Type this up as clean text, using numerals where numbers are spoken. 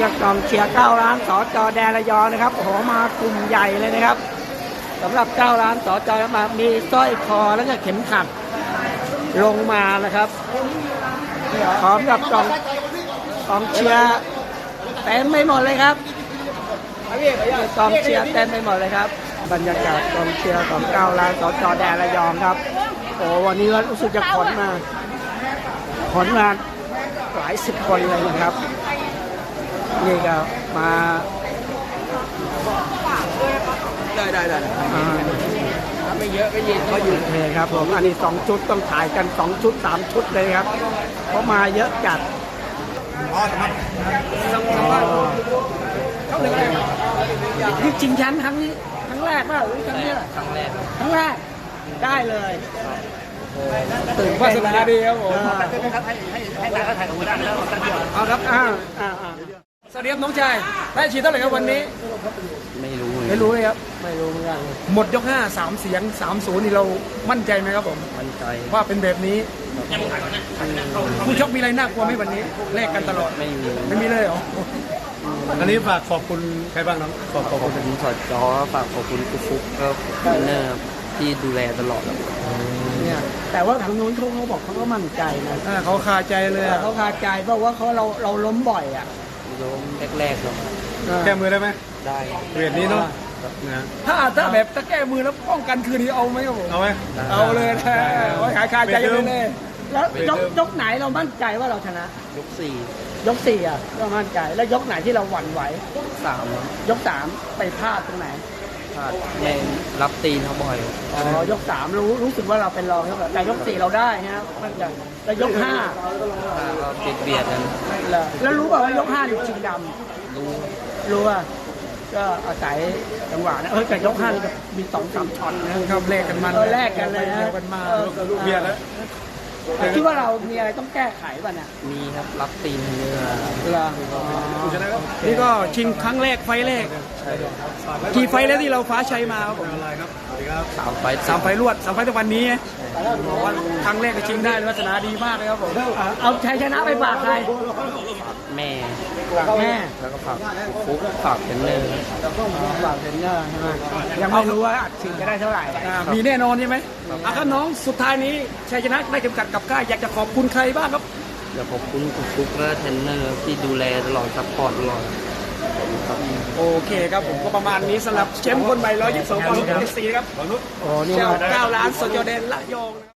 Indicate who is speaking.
Speaker 1: กับกองเชียร์9 ล้านสจ.แดนระยองนะครับโอ้โหมากลุ่มใหญ่เลยนะครับสำหรับ9 ล้านสจ.มามีสร้อยคอแล้วก็เข็มขัดลงมานะครับพร้อมกับกองเชียร์เต็มไม่หมดเลยครับกองเชียร์เต็มไปหมดเลยครับบรรยากาศกองเชียร์ของ9 ล้านสจ.แดนระยองครับโอ้วันนี้รู้สึกจะขนมาหลายสิบคนเลยนะครับนี่ก็มาได้ไม่เยอะก็ยินก็อยู่เลยครับผมอันนี้2 ชุดต้องถ่ายกัน2 ชุด 3 ชุดเลยครับเพราะมาเยอะจัดนี่จริงชั้นครั้งแรกป่ะหรือครั้งนี้ครั้งแรกได้เลยตื่นวาสนาดีครับผมให้ถ่ายของคุณแล้วเอาครับสวัสดีครับน้องชายได้ฉีดเท่าไหร่ครับวันนี้
Speaker 2: ไม่รู้
Speaker 1: เลยครับไม่รู้เหมือนกันหมดยก5 3 เสียง 3-0นี่เรามั่นใจไหมครับผม
Speaker 2: มั่นใจ
Speaker 1: ว่าเป็นแบบนี้ผู้ชกมีอะไรน่ากลัวไหมวันนี้แลกกันตลอดไม่มีเลยเหรอ
Speaker 3: อันนี้ฝากขอบคุณใครบ้างน้องขอบคุณ
Speaker 2: สดจอฝากขอบคุณกุ๊กฟุ๊กก็เนอร์ที่ดูแลตลอด
Speaker 1: เนี่ยแต่ว่าทางนู้นเขาบอกเขาก็มั่นใจนะ
Speaker 3: เขาคาใจเลย
Speaker 1: เขาคาใจเพราะว่าเราล้มบ่อยอ่ะ
Speaker 2: ล้มแรกๆครับ
Speaker 3: แก้มือได้ไหม
Speaker 2: ได้
Speaker 3: เวทนี้เนาะ
Speaker 1: ถ้าแบบถ้าแก้มือแล้วป้องกันคืนนี้เอาไหมครับผม
Speaker 3: เอาไหม
Speaker 1: เอาเลยนะหายคาใจเลยแล้วยกไหนเรามั่นใจว่าเราชนะยก 4อ่ะเรามั่นใจแล้วยกไหนที่เราหวั่นไหวยก 3ไปพลาดตรงไหน
Speaker 2: พลาดในรับตีนเขาบ่อย
Speaker 1: ยก 3รู้สึกว่าเราเป็นรองครับแต่ยก 4เราได้นะครับมั่นใจแล้วยก 5
Speaker 2: ก็เบียดกัน
Speaker 1: แล้วรู้ป่ะว่ายก5นี่ชิงดำรู้อ่ะก็อาศัยจังหวะนะแต่ยก5นี่ก็มี2-3 ช็อตนะครับแลกกันมันแลกกันเลยนะ
Speaker 3: กันมาลูกเบียดแล้ว
Speaker 1: คิดว่าเรามีอะไรต้องแก้ไขป่ะเนี่ย
Speaker 2: มีครับรับตีนเนื้อ
Speaker 1: นี่ก็ชิงครั้งแรกไฟแรกกี่ไฟแล้วที่เราฟ้าชัยมาครับผม3 ไฟรวด3 ไฟในวันนี้บอกว่าครั้งแรกก็ชิงได้ลักษณะดีมากเลยครับผมเอาชัยชนะไปฝากใคร
Speaker 2: แม่
Speaker 1: แล้ว
Speaker 2: ก็ฝากฟุ๊กฝากเทรนเนอร์
Speaker 1: ฝากเทรนเนอร์ใช่ไหมยังไม่รู้ว่าอัดฉีดจะได้เท่าไหร่มีแน่นอนใช่ไหมถ้าน้องสุดท้ายนี้ชัยชนะได้เข็มขัดกับก้าอยากจะขอบคุณใครบ้างครับ
Speaker 2: อยากขอบคุณฟุ๊กและเทรนเนอร์ที่ดูแลตลอดซัพพอร์ตตลอด
Speaker 1: โอเคครับผมก็ประมาณนี้สำหรับแชมป์คนใหม่122 ปอนด์ของเอสซีครับเจ้า9 ล้านสจ.แดนระยอง